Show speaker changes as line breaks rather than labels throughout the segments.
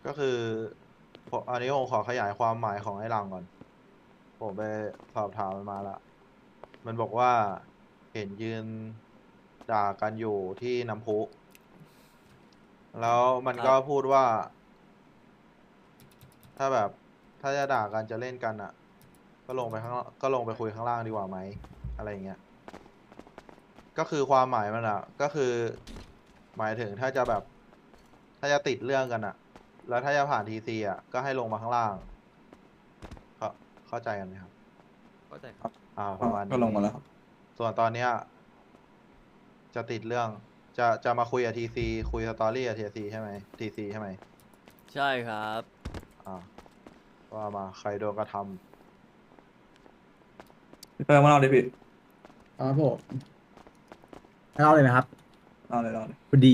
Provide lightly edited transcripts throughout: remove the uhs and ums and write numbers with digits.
ก็คืออันนี้ผมขอขยายความหมายของไอ้หลังก่อนผมไปสอบถามมันมาละมันบอกว่าเห็นยืนด่ากันอยู่ที่น้ำพุแล้วมันก็
ครับ
พูดว่าถ้าแบบถ้าจะด่ากันจะเล่นกันอ่ะก็ลงไปคุยข้างล่างดีกว่าไหมอะไรอย่างเงี้ยก็คือความหมายมันอ่ะก็คือหมายถึงถ้าจะแบบถ้าจะติดเรื่องกันอ่ะแล้วถ้าจะผ่านทีซีอ่ะก็ให้ลงมาข้างล่างเข้าเข้าใจกันไหมครับ
เข้าใจครับ
ประมาณ
ก็
นี้
ลงมาแล้วครับ
ส่วนตอนเนี้ยจะติดเรื่องจะมาคุยกับทีซีคุยสตอรี่กับทีซีใช่ไหมทีซีใช่ไหม
ใช่ครับ
อ่าว่ามาใครโดนกระท
พี่เปิ้ลมาเล่าดิพี่
ครับผมเล่าเลยนะครับ
เล่าเลย
พอดี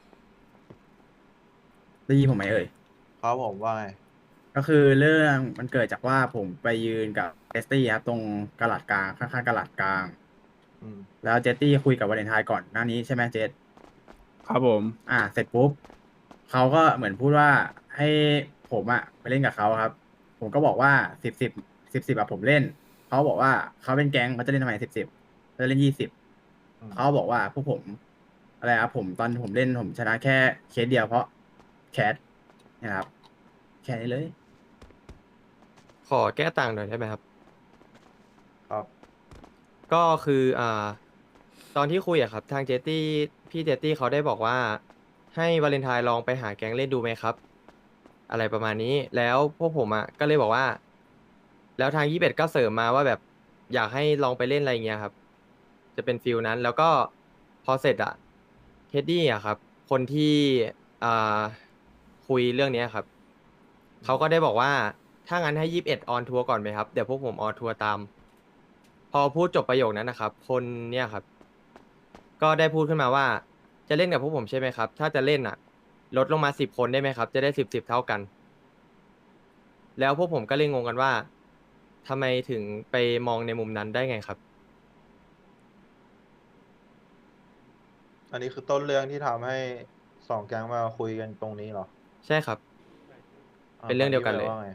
ได้ยินผมไหมเอ่ย
ำครับผมว่าไง
ก็คือเรื่องมันเกิดจากว่าผมไปยืนกับเจสตี้ครับตรงกะหลาดกลางข้างๆกะหลาดกลาง
อืม
แล้วเจสตี้คุยกับวาเลนไทน์ก่อนหน้านี้ใช่ไหมเจส
ครับผม
เสร็จปุ๊บเขาก็เหมือนพูดว่าให้ผมไปเล่นกับเขาครับผมก็บอกว่าสิบอะผมเล่นเขาบอกว่าเขาเป็นแก๊งเขาจะเล่นทำไมสิบเขาจะเล่น20
อืม
เขาบอกว่าพวกผมอะไรครับผมตอนผมเล่นผมชนะแค่เคสเดียวเพราะแคทนะครับแค่นี้เลย
ขอแก้ต่างหน่อยได้ไหมครับ
ครับ
ก็คือตอนที่คุยอะครับทางเจตตี้พี่เจตตี้เขาได้บอกว่าให้วาเลนไทน์ลองไปหาแก๊งเล่นดูไหมครับอะไรประมาณนี้แล้วพวกผมก็เลยบอกว่าแล้วทาง21ก็เสริมมาว่าแบบอยากให้ลองไปเล่นอะไรเงี้ยครับจะเป็นฟิลนั้นแล้วก็พอเสร็จเท็ดดี้ครับคนที่อ่าคุยเรื่องเนี้ยครับเขาก็ได้บอกว่าถ้างั้นให้21ออนทัวร์ก่อนไหมครับเดี๋ยวพวกผมออนทัวร์ตาม พอพูดจบประโยคนั้นนะครับคนเนี่ยครับก็ได้พูดขึ้นมาว่าจะเล่นกับพวกผมใช่ไหมครับถ้าจะเล่นลดลงมา10 คนได้ไหมครับจะได้10เท่ากันแล้วพวกผมก็เลยงงกันว่าทำไมถึงไปมองในมุมนั้นได้ไงครับ
อันนี้คือต้นเรื่องที่ทำให้สองแก๊งมาคุยกันตรงนี้เหรอ
ใช่ครับเป็นเรื่
ฝั่ง
องเดียวกันเลย
ยี่สิบว่าไง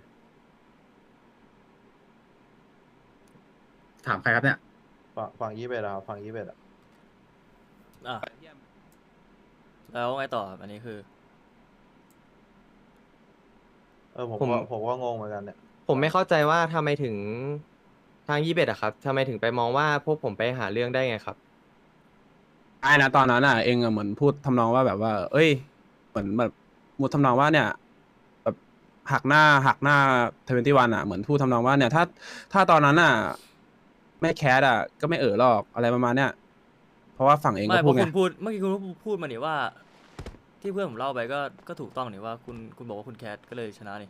ถามใครครับเนี่ย
ฝั่ง21อะครับฝั่ง21อะ
อ่ะแล้วไงต่อครับอันนี้คือ
ผม
ผมก็งงเหมือนกันเนี่ย
ผมไม่เข้าใจว่าทำไมถึงทาง21ครับทำไมถึงไปมองว่าพวกผมไปหาเรื่องได้ไงครับ
ไอ้นะตอนนั้นเองเหมือนพูดทำนองว่าแบบว่าเอ้ยเหมือนแบบมุดทำนองว่าเนี่ยแบบหักหน้า21เหมือนพูดทำนองว่าเนี่ยถ้าตอนนั้นไม่แคสก็ไม่หรอกอะไรประมาณเนี้ยเพราะว่าฝั่งเอง
ไม่
ก็พูดไง
เพราะคุณพูดเมื่อกี้คุณพูดมานี่ว่าที่เพื่อนผมเล่าไปก็ถูกต้องนี่ว่าคุณบอกว่าคุณแคทก็เลยชนะนี่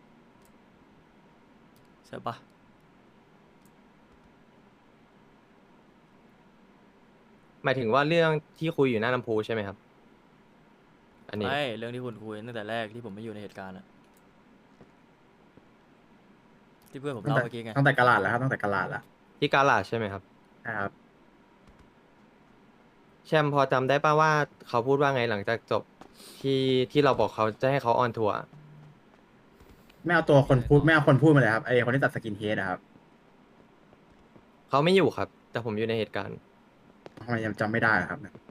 ใช่ปะ
หมายถึงว่าเรื่องที่คุยอยู่หน้าลำพูใช่ไหมครับอันนี้
ไม่เรื่องที่คุณคุยตั้งแต่แรกที่ผมไม่อยู่ในเหตุการณ์อะที่เพื่อนผม
ตั้งแต่
เล่าเมื่อกี้ไง
ตั้งแต่กะหลาดแล้วครับตั้งแต่กะหลาดแล้ว
ที่กาลาดใช่ไหมครับ
นะครับ
แชมป์พอจำได้ป่าว่าเขาพูดว่าไงหลังจากจบที่ที่เราบอกเขาจะให้เขาออนทัวร์
ไม่เอาตัวคนพูดไม่เอาคนพูดมาเลยครับไอคนที่ตัดสกินเฮดนะครับ
เขาไม่อยู่ครับ แต่ผมอยู่ในเหตุการณ์
ทำไมยังจำไม่ได้ล่ะครับเนี่ย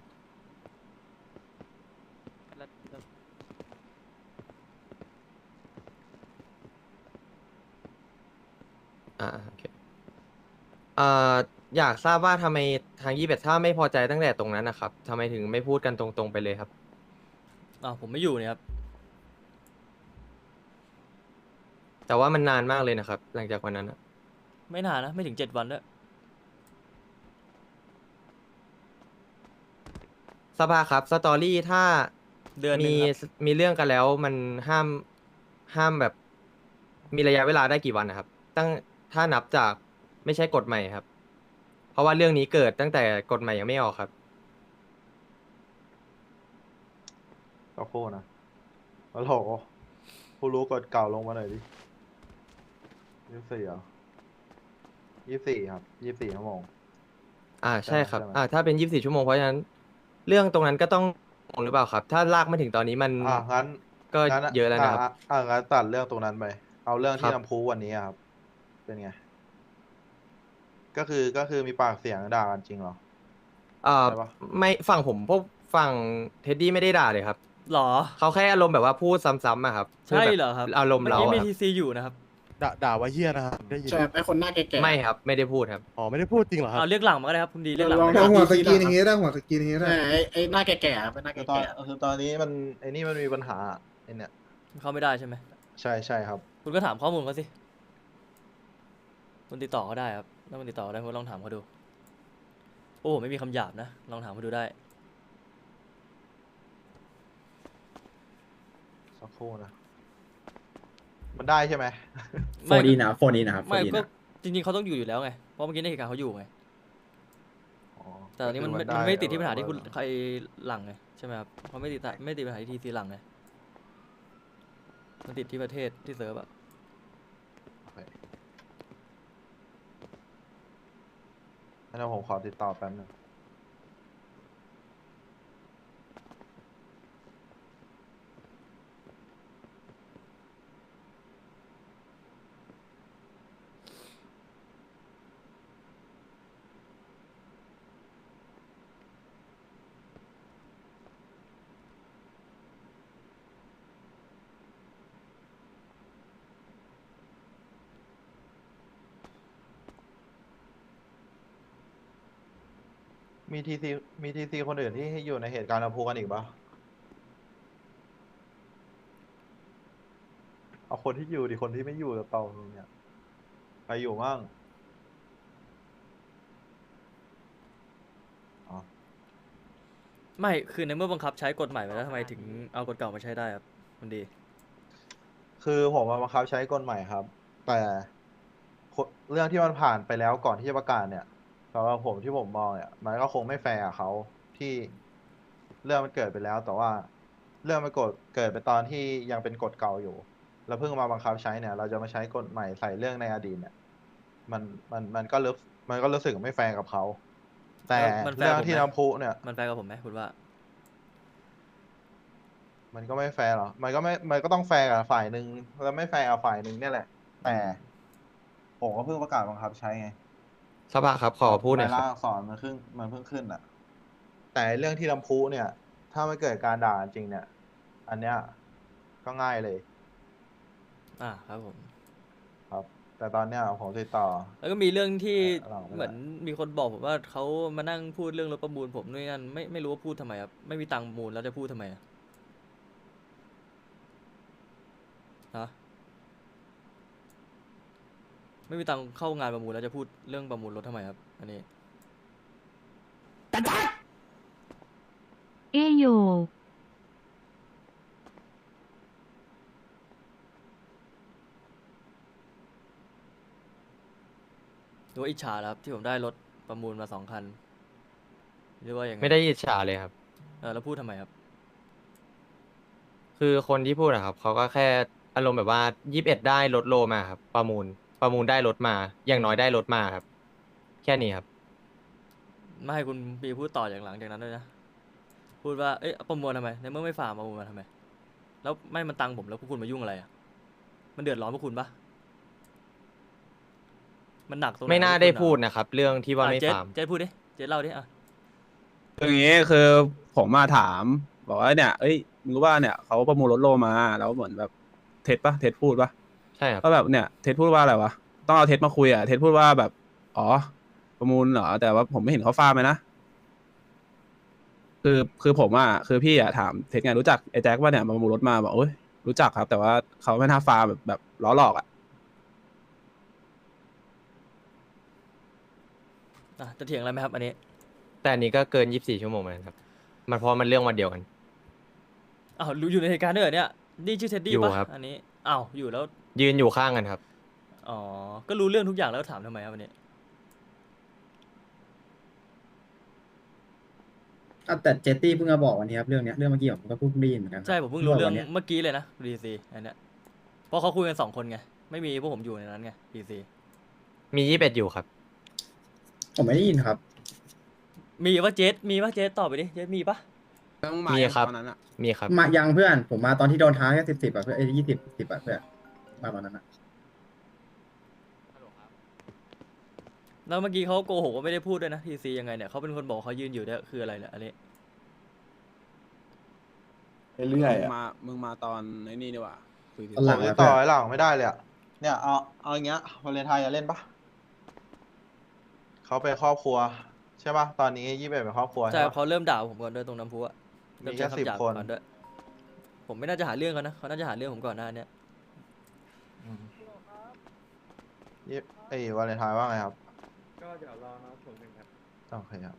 โอเคอ่าอยากทราบว่าทำไมทาง21ถ้าไม่พอใจตั้งแต่ตรงนั้นนะครับทำไมถึงไม่พูดกันตรงๆไปเลยครับ
ผมไม่อยู่เนี่ยครับ
แต่ว่ามันนานมากเลยนะครับหลังจากวันนั้น
ไม่นานนะไม่ถึง7 วันด้วย
สภาครับสตอรี่ถ้า
เดือนหนึ่
มี
งครับ
มีเรื่องกันแล้วมันห้ามแบบมีระยะเวลาได้กี่วันนะครับตั้งถ้านับจากไม่ใช่กฎใหม่ครับเพราะว่าเรื่องนี้เกิดตั้งแต่กฎใหม่ยังไม่ออกครับ
ก็โคนะแล้วโหผู้รู้กฎเก่าลงมาหน่อยดิ24อ่ะ24ครับ24 ชั่วโมงใช่
ใช่ครับ
ไหมใช่ไหม
ถ้าเป็น24 ชั่วโมงเพราะฉะนั้นเรื่องตรงนั้นก็ต้องหรือเปล่าครับถ้าลากมาถึงตอนนี้มัน
งั้น
ก็
งั้น
เยอะแล้วนะครับ
งั้นตัดเรื่องตรงนั้นไป เอาเรื่อง
ค
ที่
รับ
น้ำพุวันนี้อะครับ เป็นไง ก็คือมีปากเสียงด่ากันจริงเหรอ ใช่ปะ
ไม่ฝั่งผมพวกฝั่งเท็ดดี้ไม่ได้ด่าเลยครับ
หรอ
เขาแค่อารมณ์แบบว่าพูดซ้ำๆอะครับ
ใช่
พูดแบบ
เหรอครับ
อารมณ์
เมื่อ
เรา
กี้
อะ
มี
ครับ
ทีซีอยู่นะครับ
ด่าว่าเฮียนะครับได้ยิน
ใช่ไอคนหน้าแก่ๆ
ไม่ครับไม่ได้พูดครับ
อ๋อไม่ได้พูดจริงเหรอครับ
เอาเรียกหลังมาก็ได้ครับคุณดีเรียกหลัง
ลอง
มา
ถาม
หัว
ดี
ส
ๆ
กรีน
นะ
อย่าง
ค
งี้
รับ
ได้หัวสกรีนอย่างงี้ได้
ไอ้หน้าแก่ๆครับเป็นหน้า
คือ
แก่
ตอนนี้มันไอ้นี่มันมีปัญหาไอ้เนี่ย
เข้าไม่ได้ใช่ไหม
ใช่ครับ
คุณก็ถามข้อมูลเขาสิคุณติดต่อเขาได้ครับถ้าคุณติดต่อได้คุณลองถามเขาดู โอ้ไม่มีคำหยาบนะ ลองถามเขาดูได้
สักครู่นะ มันได้ใช่ไหม
โฟนอินนะครับโฟนอินนะครับโฟ
ไม่
นอิน
ก็
นะ
จริงๆเขาต้องอยู่แล้วไง เพราะเมื่อกี้ในเหตุการณ์เขาอยู่ไง
อ๋อ
แต่ตอนนี้มัน
ก็
ไม่
คือ
มันไม่ติดที่ปัญหา
ได้
ที่คุณใครหลังไงใช่ไหมครับเขาไม่ติดปัญหาที่ทีซีหลังไงมันติดที่ประเทศที่เซิร์ฟอะ
โอเคงั้นผมขอติดต่อแป๊บนึง มีทีซีคนอื่นที่อยู่ในเหตุการณ์ลำพูกันอีกปะเอาคนที่อยู่ดิคนที่ไม่อยู่กับเต่าเนี่ยใครอยู่มั่งอ๋อ
ไม่คือในเมื่อบังคับใช้กฎใหม่ไปแล้วทำไมถึงเอากฎเก่ามาใช้ได้ครับคุณดี
คือผมมาบังคับใช้กฎใหม่ครับ แต่เรื่องที่มันผ่านไปแล้วก่อนที่จะประกาศเนี่ยสำหรับผมที่ผมมองเนี่ยมันก็คงไม่แฟร์กับเขาที่เรื่องมันเกิดไปแล้ว แต่ว่าเรื่องมันเกิดไปตอนที่ยังเป็นกฎเก่าอยู่ แล้วเพิ่งมาบังคับใช้เนี่ย เราจะมาใช้กฎใหม่ใส่เรื่องในอดีตเนี่ย มันก็รู้สึกไม่แฟร์กับเขาแต่
มันแฟร์
เรื่อง
ผมไหม
ที่น้ำพุเนี่ย
มันแฟร์กับผมไหมคุณว่า
มันก็ไม่แฟร์หรอ มันก็ต้องแฟร์กับฝ่ายหนึ่งแล้วไม่แฟร์กับฝ่ายหนึ่งเนี่ยแหละ แต่ผมก็เพิ่งประกาศบังคับใช้ไง
สภาครับขอพูดหน่อย
ใน
ค
ร่า
รับ
งอักษรมันเพิ่งขึ้นอ่ะ แต่เรื่องที่ลำพูเนี่ย ถ้าไม่เกิดการด่าจริงเนี่ย อันเนี้ยก็ง่ายเลย
ครับผม
ครับ แต่ตอนเนี้ยผมติดต่อ
แล้วก็มีเรื่องที่
หลังไม่ได้
เหมือนมีคนบอกผมว่าเขามานั่งพูดเรื่องรถประมูลผมด้วยนั่นไม่รู้ว่าพูดทำไมครับไม่มีตังค์ประมูลแล้วจะพูดทำไมอะฮะไม่มีตังค์เข้างานประมูลแล้วจะพูดเรื่องประมูลรถทำไมครับ อันนี้
เอโย
หรือว่าอิจฉาแล้วครับที่ผมได้รถประมูลมา2 คันหรือว่าอย่างไง
ไม่ได้อิจฉาเลยครับ
แล้วพูดทำไมครับ
คือคนที่พูดอะครับเขาก็แค่อารมณ์แบบว่า21ได้รถโลมาครับประมูลได้รถมา อย่างน้อยได้รถมาครับ แค่นี้ครับ
ไม่ให้คุณปีพูดต่ออย่างหลังจากนั้นด้วยนะ พูดว่า เอ้ยประมูลทำไม ในเมื่อไม่ฝ่าประมูลมาทำไม แล้วไม่มันตังค์ผมแล้วพวกคุณมายุ่งอะไรอ่ะ มันเดือดร้อนพวกคุณปะมันหนักตรงไหน
ไม่น่า
พวก
ได้
คุณอะ
พูดนะครับ เรื่องที่ว่าไม่
เจ๊
ฟาร์ม
เจ๊พูดดิ เจ๊เล่าดิอ่ะ
คืออย่างนี้คือผมมาถามบอกว่าเนี่ยเอ้ยมึงรู้ว่าเนี่ยเขาประมูลรถโลมาแล้วเหมือนแบบเท็จปะเท็จพูดปะ
ใช่ครับ
ก็แบบเนี่ยเท็จพูดว่าอะไรวะต้องเอาเท็จมาคุยอ่ะเท็จพูดว่าแบบอ๋อประมูลเหรอแต่ว่าผมไม่เห็นเขาฟาร์มเลยนะคือผมอ่ะคือพี่อ่ะถามเท็จไงรู้จักไอ้แจ็คว่าเนี่ยมาประมูลรถมาบอกโอ้ยรู้จักครับ แต่ว่าเขาไม่น่าฟาร์มแบบล้อหลอกอ่ะ
จะเถียงอะไรไหมครับอันนี้
แต่อันนี้ก็เกิน24 ชั่วโมงเหมือนกันครับ มันเพราะมันเรื่องวันเดียวกัน
อ้าวรู้อยู่ในเหตุการณ์ด้วยเหรอเนี่ย นี่ชื่อเท็ดดี้
อยู่
ปะ
ครับ
อันนี้ อ้าว อยู่แล้ว
ยืนอยู่ข้างกันครับ
อ๋อ ก็รู้เรื่องทุกอย่างแล้วถามทำไมครับอันนี้
แต่เจตตี้เพิ่งมาบอกวันนี้ครับเรื่องเนี้ยเรื่องเมื่อกี้ผมก็เพิ่งได้ยินเหมือนกัน
ใช่ผมเพิ่งรู้เรื่อง
วันนี้ย
เมื่อกี้เลยนะดีซีอันเนี้ยเพราะเขาคุยกัน2 คนไง ไม่มีพวกผมอยู่ในนั้นไงดีซี
มี21อยู่ครับ
ผมไม่ได้ยินครับ
มีว่าเจสตอบไปดิ เจสมีปะ
ต้องมา
มี
ยัง
ครับ
ตอนนั้นอะ
มีครับ
มายังเพื่อนผมมาตอนที่โดนท้าแค่10อะเพื่อน20อะเพื่อนมาตอนนั้นอะ
แล้วเมื่อกี้เขาโกหกว่าไม่ได้พูดด้วยนะทีซียังไงเนี่ยเขาเป็นคนบอกเขายืนอยู่เนี่ยคืออะไรเนี่ยอันนี้
เรื่อยๆ
มึง
อ่ะ
มึงมาตอนไอ้นี่ดีกว่าคุย
ตอนห
ผ
ลั
ม
ง
ติดต่อไอ้หลังไม่ได้เลยอะเนี่ยเอาอย่างเงี้ยวาเลนไทน์จะเล่นปะเขาเป็นครอบครัวใช่ปะตอนนี้21เป็นครอบครัว
ใช่
ใช่ปะ
เขาเริ่มด่าผมก่อนด้วยตรงน้ำพุอะ
มี
เริ่ม
แค่
ใช้
10
คำหยาบ
คน
ก่อนด้วยผมไม่น่าจะหาเรื่องเขานะเขาน่าจะหาเรื่องผมก่อนหน้าเนี้ย
ยี่ไอ้วาเลนไทน์ว่าไงครับ
ก็เดี๋ยวรอน้องผมหนึ่งครับ
โอเคครับ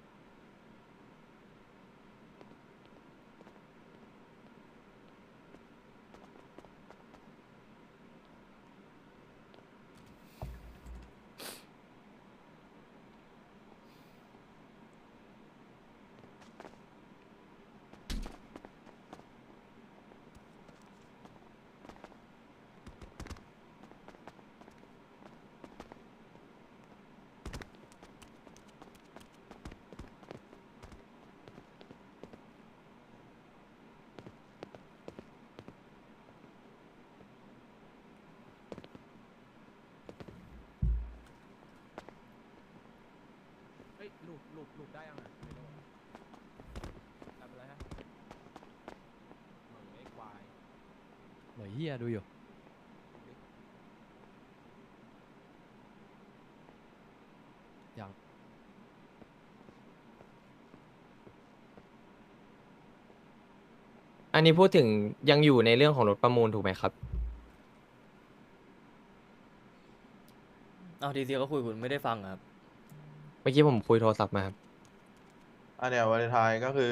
เฮ้ยลูกได้ยังไงไม่รู้ทำอะไรฮะเหมือนไอ้ควาย
เหมยเฮียดูอยู่ อย่าง
อันนี้พูดถึงยังอยู่ในเรื่องของรถประมูลถูกไหมครับ
เอาทีซีเขาคุยคุณไม่ได้ฟังอะครับ
เมื่อกี้ผมคุยโทรศัพท์มาครับ
อันเนี้ยวาเลนไทน์ก็คือ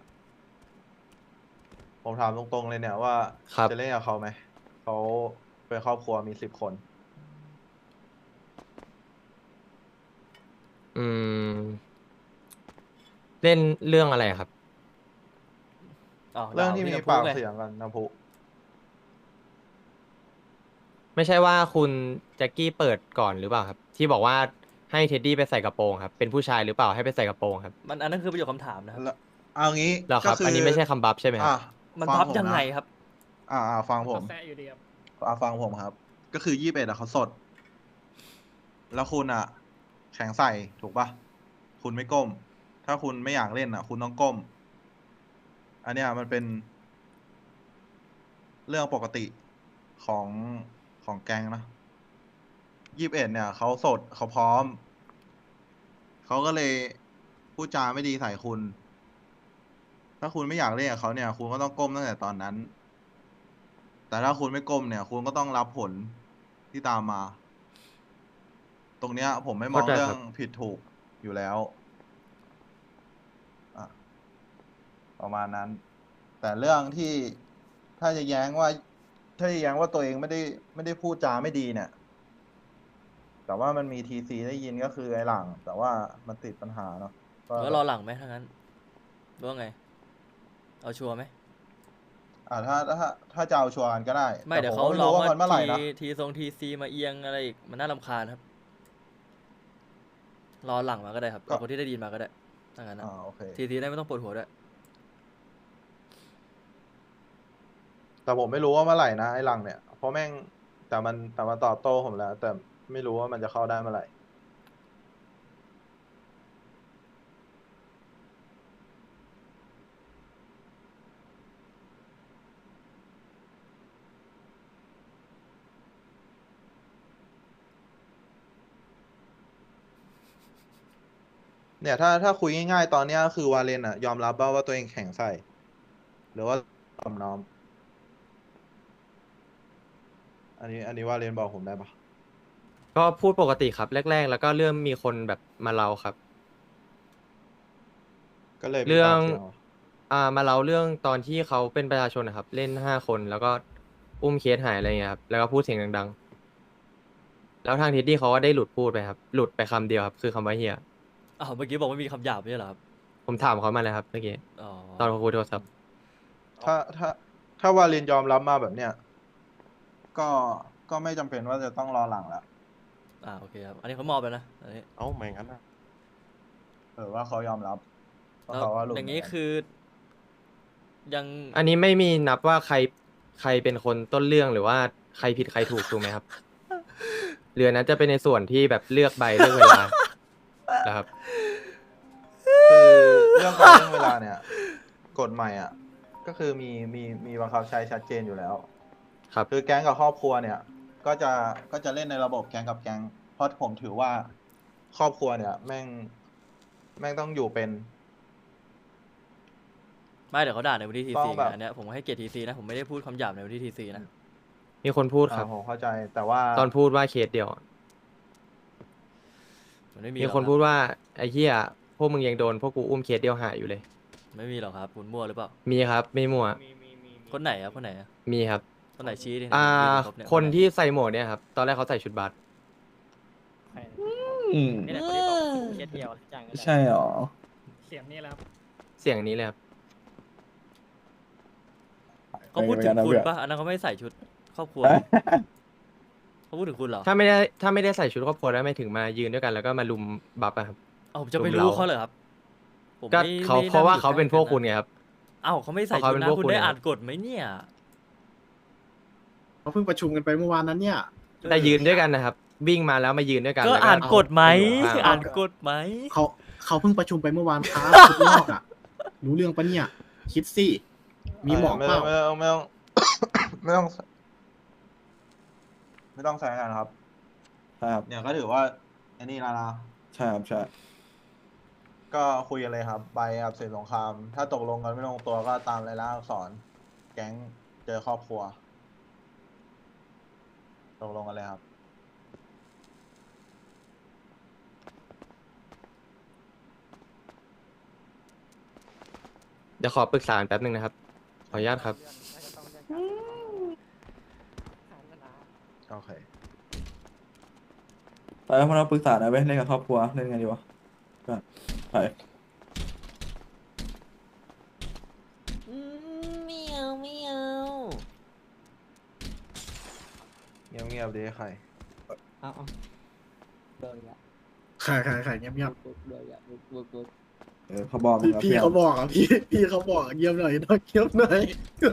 ผมถามตรงๆเลยเนี่ยว่า
ครับ
จะเล่นกับเขาไหมเขาเป็นครอบครัวมี10 คน
อืม เล่นเรื่องอะไรครับ
อ้าว
เรื่องที่
ด่
มี
พี่น้ำพุ
ปาก
ไง
เสียงกันน้ำพุ
ไม่ใช่ว่าคุณแจ็คกี้เปิดก่อนหรือเปล่าครับ ที่บอกว่าให้เท็ดดี้ไปใส่กระโปรงครับ เป็นผู้ชายหรือเปล่าให้ไปใส่กระโปรงครับ
มันอันนั้นคือประโยคคำถามนะครับ
แล้วเอางี้
เหรอครับ
ก็
อันนี้ไม่ใช่คำบัฟใช่ไหมครับ
มัน
ฟั
พับ
ผม
ยังไง
นะครับ ฟังผม
แซะอยู่ดีครับ
ฟังผมครับ ก็คือ21เขาสด แล้วคุณแข็งใส่ถูกปะคุณไม่ก้ม ถ้าคุณไม่อยากเล่นคุณต้องก้ม อันเนี้ยมันเป็น เรื่องปกติของแก๊งนะ21เนี่ยเขาสดเขาพร้อม เขาก็เลยพูดจาไม่ดีใส่คุณ ถ้าคุณไม่อยากเล่นกับเขาเนี่ย คุณก็ต้องก้มตั้งแต่ตอนนั้น แต่ถ้าคุณไม่ก้มเนี่ย คุณก็ต้องรับผลที่ตามมา ตรงเนี้ย ผมไม่มอง
เข้าใจ
เรื่อ
ครั
ง
บ
ผิดถูกอยู่แล้วอ่ะประมาณนั้น แต่เรื่องที่ถ้าจะแย้งว่าตัวเองไม่ได้พูดจาไม่ดีเนี่ย แต่ว่ามันมีทีซีได้ยินก็คือไอ้หลัง แต่ว่ามันติดปัญหาเนาะก็
แล้วรอหลังไหมถ้างั้นหรือว่าไง เอาชัวร์ไหม
ถ้าจะเอาชัวร์กันก็ได้
ไม่เดี๋ยว
แต่
เขา
ผก็ไม่
ร้อง
รู้ว่า
ว่า
มันเมื่อไหร่นะ
ทีซีมาเอียงอะไรอีกมันน่ารำคาญครับ รอหลังมาก็ได้ครับ
ก็
เอาคนที่ได้ยินมาก็ได้ถ้างั้นนะ
โอเค
ทีซีได้ไม่ต้องปวดหัวด้วย
แต่ผมไม่รู้ว่าเมื่อไหร่นะไอ้หลังเนี่ย เพราะแม่งแต่มันตอบโต้ผมแล้ว แต่ไม่รู้ว่ามันจะเข้าได้เมื่อไหร่ เนี่ยถ้าคุยง่ายๆตอนเนี้ยก็คือวาเลนยอมรับว่าตัวเองแข็งใส่ หรือว่าตอมน้อม อันนี้วาเลนบอกผมได้ปะ
ก็พูดปกติครับแรก ๆ แล้วก็เริ่มมีคนแบบมาเล่าครับ
ก็เลยมี
เรื่อง
ปากสียหร
มาเล่าเรื่องตอนที่เขาเป็นประชาชนนะครับ เล่น5 คนแล้วก็อุ้มเคสหายอะไรเงี้ยครับแล้วก็พูดเสียงดังๆ แล้วทางเท็ดดี้เขาก็ได้หลุดพูดไปครับ หลุดไปคำเดียวครับคือคำว่าเฮีย
อ้าวเมื่อกี้บอกว่ามีคำหยาบไม่ใช่เหรอครับ
ผมถามเขามาเลยครับเมื่อกี้
อ๋อ
ตอนเขาคุยโทรศัพท์
ถ้าวาเลนยอมรับมาแบบเนี้ยก็ไม่จำเป็นว่าจะต้องรอหลังแล้ว
โอเคครับ อันนี้เขามอบแล้วนะอันนี้
เอ้าไม่งั้นนะ
ว่าเขายอมรับว่า
แล้ว
เขาว่าหลุด
อย่างนี้คือยัง
อันนี้ไม่มีนับว่าใครเป็นคนต้นเรื่องหรือว่าใครผิดใครถูกถูกไหมครับเรือนั้นจะเป็นในส่วนที่แบบเลือกใบเลือกเวลานะครับ
คือเรื่องการเรื่องเวลาเนี่ยกฎใหม่อ่ะก็คือมีบังคับใช้ชัดเจนอยู่แล้ว
ครับ
คือแก๊งกับครอบครัวเนี่ย ก็จะเล่นในระบบแก๊งกับแก๊งเพราะผมถือว่าครอบครัวเนี่ย แม่งต้องอยู่เป็น
ไม่เดี๋ยวเขาด่าในวันที่ที
ต้
ซี
องแบบ
อันเนี้ยผมให้เกียรติทีซีนะผมไม่ได้พูดคำหยาบในวันที่ทีซีนะ
มีคนพูดครับ
ผมเข้าใจแต่ว่า
ตอนพูดว่าเคสเดียว
มันไม่มี
มี
หรอก
คน
รับ
พูดว่าไอ้เหี้ยพวกมึงยังโดนพวกกูอุ้มเคสเดียวหายอยู่เลย
ไม่มีหรอกครับคุณมั่วหรือเปล่า
มีครับไม่มั่ว
คนไหนครับคนไหนอะ
มีครับ
คนไหนชี้ดิ
อ่า
ยืนครบเย
คนที่ใส่หมวกเนี่ยครับตอนแรกเขาใส่ชุดบาส
นี่แหละคนที่บอกเคสเดียวใช่หรอ
เสียงนี้เลยครับ
เขาพูดถึง
เป็นไงนะ
คุณ
เพื่อน
ปะอันนั้นเขาไม่ใส่ชุดครอบครัวเขาพูดถึงคุณเหรอ
ถ้าไม่ได้ใส่ชุดครอบครัวแล้วไม่ถึงมายืนด้วยกันแล้วก็มาลุมบัฟอะครับ
เอ้าผมจะไป
ลุม
รู้
เรา
เขาเหรอครับผม
ก็
ไม่
เขา
ไม่ได้
เพราะว่า
อยู่
เขาเป็น
ใก
พ
ล้ว
กคุณ
นะ
ไงครับ
เอ้าเขาไม่ใส่
เพราะ
ชุ
เขา
ด
เป็นพวก
นะคุณ
คุณ
ได้
นะครับ
อ่านกฎไหมเนี่ย
เขาเพิ่งประชุมกันไปเมื่อวานนั้นเนี่ย
แต่ยืนด้วยกันนะครับ วิ่งมาแล้วมายืนด้วยกัน
ก็
แล้ว
อ่านกฎไหม
อยู่ข้าง
อ่านกฎไหม
เขาเพิ่งประชุมไปเมื่อวานครับชุดนอกอ่ะ รู้เรื่องปะเนี่ย คิดสิ มีหมอก
ไม่
เป
ต้
ล่า
องไม่ต้อง ไม่ต้องไม่ต้องใช้กันครับ
ครับ
เนี่ยก็ถือว่าอันนี้แล้วนะ
ใช่ครับใช่
ก็คุยกันเลยครับใบกับเสร็จสงคราม ถ้าตกลงกันไม่ลงตัวก็ตามรายลักษณ์อักษร แก๊งเจอครอบครัว ตกลงกันเลยครับ
เดี๋ยวขอปรึกษาแป๊บนึงนะครับ ขออนุญาตครับ
โอเค
ไปแล้วพวกเราปรึกษาหน่อยเว้ยเล่นกับครอบครัวเล่นไงดีวะไป
ไม่เอาไม่เอา
เงียบๆดีใคร
ขายเงียบ
เขาบอกมึง
ๆ
อะ
พี่
เพื่อน
เขาบอกอ่ะพี่เขาบอกเงียบหน่อยนะเงียบหน่อย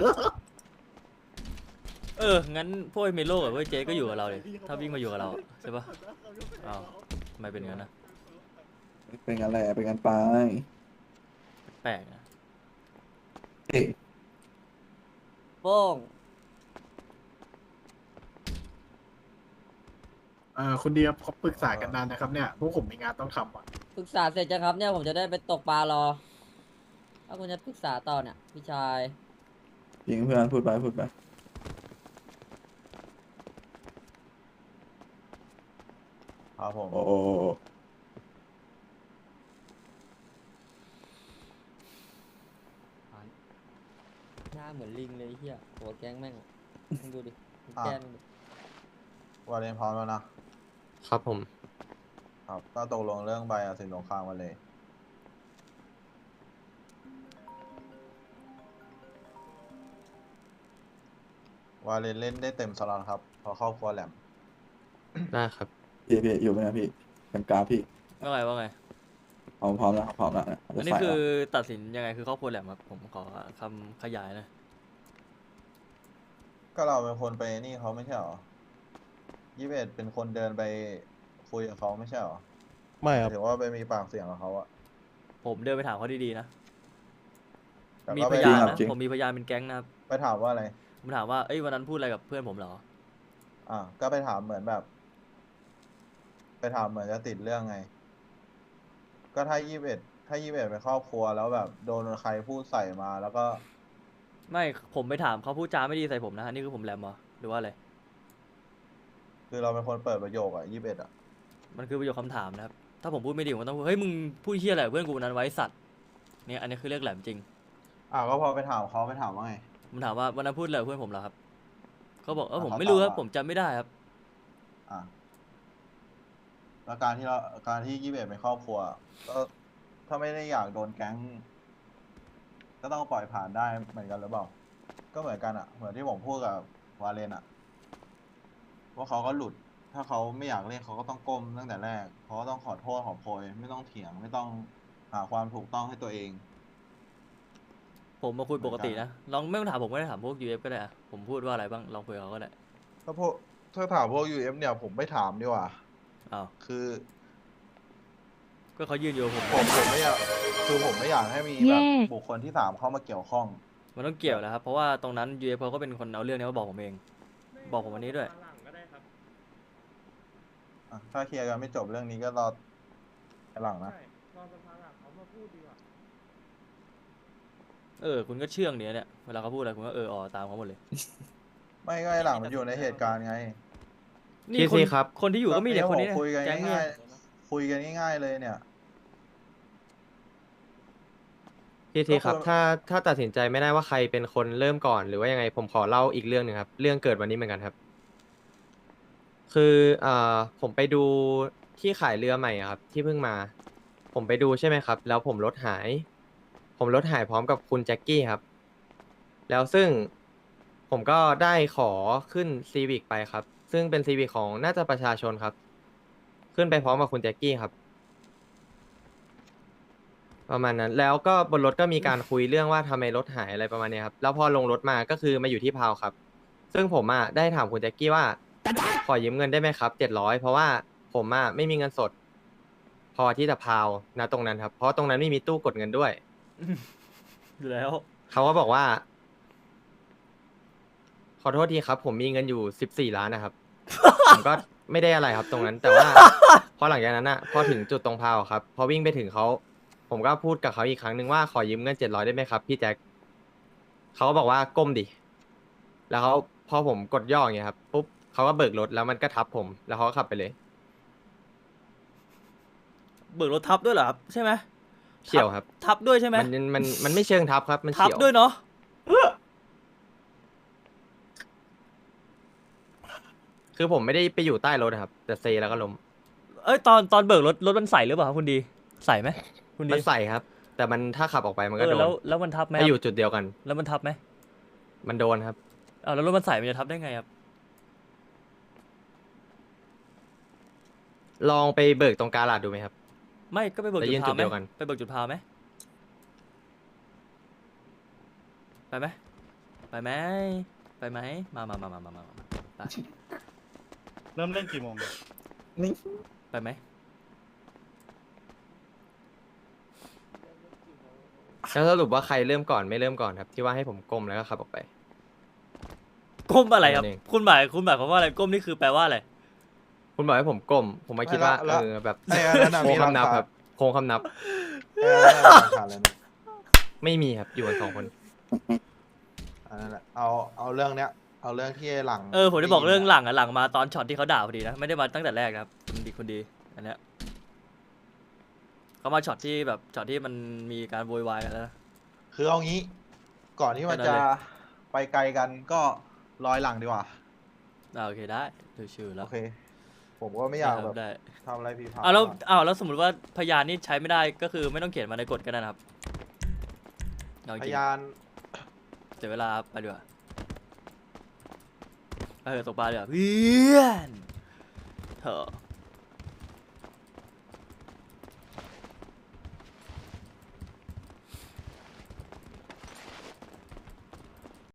งั้นพวกไอ้เมโลกับพวกไอ้เจ๊ก็อยู่กับเราเลยถ้าวิ่งมาอยู่กับเราอะใช่ปะอ้าวทำไมเป็นงั้นนะ
เป็นกันแหละเป็นกันไป
แปลกนะ
เอ๊ะ
โป้ง
คุณเดียเขาปรึกษากันนานนะครับเนี่ย พวกผมมีงานต้องทำอ่ะ
ปรึกษาเสร็จจะครับเนี่ยผมจะได้ไปตกปลารอ ถ้าคุณจะปรึกษาต่อเนี่ยพี่ชาย
จริงเพื่อนพูดไปพูดไป
ครับผม
โอ้โห
หน้าเหมือนลิงเลยไอ้เฮียหัวแก๊งแม่งมึงดูดิมึงแกล้งดิ
วาเลนพร้อมแล้วนะ
ครับผม
ครับก็ตกลงเรื่องใบกับเสร็จสงครามกันเลย วาเลนเล่นได้เต็มสล็อตครับเพอครอบครัวแหลม
ได้ครับ
พี่อยู่ไหมนะพี่กันกราฟพี่
ว่าไง
พร้อมแล้วครับพร้อมแล้วนะ
อันนี้คือตัดสินยังไงคือครอบครัวแหลมครับผมขอคำขยายหนะ
ก็เราเป็นคนไปนี่เขาไม่ใช่หรอ21เป็นคนเดินไปคุยกับเขาไม่ใช่หรอ
ไม่ครับ
ถือว่าไปมีปากเสียงกับเขาอะ
ผมเดินไปถามเขาดีๆนะ
แต่
มี
ก็
พ
ไป
ยาน
ถาม
นะผมมีพยานเป็นแก๊งนะครับ
ไปถามว่าอะไร
ผมถามว่าเอ้ยวันนั้นพูดอะไรกับเพื่อนผมเหรอ
ก็ไปถามเหมือนแบบ ไปถามเหมือนจะติดเรื่องไง ก็ถ้า21เป็นครอบครัวแล้วแบบโดนใครพูดใส่มาแล้วก็
ไม่ผมไปถามเขาพูดจาไม่ดีใส่ผมนะอันนี้คือผมแหลมเหรอหรือว่าอะไร
คือเราเป็นคนเปิดประโยคอะ21อะ
มันคือประโยคคำถามนะครับถ้าผมพูดไม่ดีผมต้องพูดเฮ้ยมึงพูดเฮี้ยอะไรกับเพื่อนกูวันนั้นไว้สัตว์เนี่ยอันนี้คือเรียกแหลมจริง
ก็พอไปถามเขาไปถามว่าไง
ผมถามว่าวันนั้นพูดอะไรกับเพื่อนผมเหรอครับเขาบอกผม
เขา
ไม่รู้ครับ
ตอบว่า
ผมจำไม่ได้ครับ
แล้วการที่21เป็นครอบครัว ก็ถ้าไม่ได้อยากโดนแก๊ง ก็ต้องปล่อยผ่านได้เหมือนกันหรือเปล่า ก็เหมือนกันอะเหมือนที่ผมพูดกับวาเลนอะว่าเขาก็หลุด ถ้าเขาไม่อยากเล่นเขาก็ต้องก้มตั้งแต่แรกเขาก็ต้องขอโทษขอโพยไม่ต้องเถียง ไม่ต้องหาความถูกต้องให้ตัวเอง
ผมมาคุยปกตินะลองไม่ต้องถามผมก็ได้ถามพวก UF ก็ได้อะผมพูดว่าอะไรบ้างลองคุยกับเขาก็ได้
ถ้าถามพวก UF เนี่ยผมไม่ถามดีกว่า
อ้าว
คือ
ก็เขายืนอยู่กับผม
ผมไม่อยากคือผมไม่อยากให้มีแบบบุคคลที่สามเข้ามาเกี่ยวข้อง
มันต้องเกี่ยวแล้วครับเพราะว่าตรงนั้น UF เขาก็เป็นคนเอาเรื่องนี้มาบอกผมเอง บอกผมวันนี้ด้วย
ถ้าเคลียร์กันไม่จบเรื่องนี้ก็รอหลังนะ
คุณก็เชื่องเนี้ยเนี่ยเวลาเขาพูดอะไรคุณก็อ๋อตามเขาหมดเลย
ไม่ก็ไอ้หลังมันอยู่ในเหตุการณ์ไง
นี่
พี่ครับ
คนที่อยู่ก็มีแต่คนนี้
คุยกัน
แก๊งเนี่
ง่าย ยๆคุยกันง่ายๆเลยเนี่ย
ทีครับ
ก็คือ
ถ้าตัดสินใจไม่ได้ว่าใครเป็นคนเริ่มก่อนหรือว่ายังไงผมขอเล่าอีกเรื่องหนึ่งครับ เรื่องเกิดวันนี้เหมือนกันครับ คือผมไปดูที่ขายเรือใหม่อะครับ ที่เพิ่งมา ผมไปดูใช่ไหมครับ แล้วผมรถหาย ผมรถหายพร้อมกับคุณแจ็คกี้ครับ แล้วซึ่งผมก็ได้ขอขึ้นซีวิกไปครับ ซึ่งเป็นซีวิกของน่าจะประชาชนครับ ขึ้นไปพร้อมกับคุณแจ็คกี้ครับ ประมาณนั้น แล้วก็บนรถก็มีการคุยเรื่องว่าทำไมรถหายอะไรประมาณเนี้ยครับ แล้วพอลงรถมาก็คือมาอยู่ที่พาวครับ ซึ่งผมได้ถามคุณแจ็คกี้ว่า ขอยืมเงินได้ไหมครับ700เพราะว่าผมไม่มีเงินสด พอที่จะพาวนะตรงนั้นครับ เพราะตรงนั้นไม่มีตู้กดเงินด้วย
อยู่แล้ว
เขาก็บอกว่า ขอโทษทีครับ ผมมีเงินอยู่14 ล้านนะครับ ผมก็ไม่ได้อะไรครับ ตรงนั้น แต่ว่า พอหลังจากนั้นพอถึงจุดตรงพาวครับพอวิ่งไปถึงเขาผมก็พูดกับเขาอีกครั้งหนึ่งว่าขอยืมเงิน700ได้ไหมครับพี่แจ็คเขาก็บอกว่าก้มดิแล้วเขาพอผมกดย่ออย่างเงี้ยครับปุ๊บเขาก็เบิกรถแล้วมันก็ทับผมแล้วเขาก็ขับไปเลย
เบิกรถทับด้วยเหรอครับใช่ไหม
เฉี่ยวครับ
ทับด้วยใช่ไหม
มันไม่เชิงทับครับ มัน
ทับ
เฉี่ยว
ด้วยเนาะ
คือผมไม่ได้ไปอยู่ใต้รถครับแต่เซแล้วก็ล้ม
ตอนเบิกรถมันใส่หรือเปล่าครับคุณดีใส่ไหมคุณดี
มันใส่ครับ แต่มันถ้าขับออกไปมันก็โดน
แล้วมันทับไหม
ถ้าอยู่จุดเดียวกัน
แล้วมันทับไหม
มันโดนครับ
แล้วรถมันใส่มันจะทับได้ไงครับ
ลองไปเบิกตรงกาลาดดูไหมครับ
ไม่ก็ไปเบิก
แล้ว
จุ
ยื
ด
น
พา
จุ
ว
ด
ไหม
เดียวกัน
ไปเบิกจุดพาวไหมไปไหมไปไหมไปไหมมาไป
เริ่มเล่นกี่โมง
ไปไหม
แล้วสรุปว่าใครเริ่มก่อนไม่เริ่มก่อนครับ ที่ว่าให้ผมก้มแล้วก็ขับออกไป
ก้มอะไรครับ
นั่นเอง
คุณหมายความว่าอะไรก้มนี่คือแปลว่าอะไร
คุณบอกให้ผมก้ม ผมมาคิดว่า
แล้ว
แบบ
ไอ้อันนั้นน่ะ
โค้
มี
ง
หลัก
คำนับ
ฐาน
ครับโค้งคำนับ
ขาดเลยนะ
ไม่มีครับอยู่กัน2 คน
อันนั้นแหละเอาเรื่องเนี้ย เอาเรื่องที่ไอ้หลัง
ผมได้บอกเรื่องหลังหลังมาตอนช็อตที่เขาด่าพอดีนะไม่ได้มาตั้งแต่แรกนะครับคนดีอันเนี้ยเขามาช็อตที่แบบช็อตที่มันมีการโวยวายกันแล้วนะ
คือเอางี้ ก่อนที่มัน
แค่นั้น
จะ
เลย
ไปไกลกันก็รอยหลังดีกว่า
โอเคได้ชื่อแล้ว
โอเค ผมก็ไม่อยากแบบ
ได้
ทำอะไรผิดพลาด
แล้วสมมติว่าพยานนี่ใช้ไม่ได้ก็คือไม่ต้องเขียนมาในกฎก็ได้นะครับเอาจ
พ
ริง
ยาน
เสียเวลาไปดีกว่าตกปลาดีกว่าเพื่อนเถอะ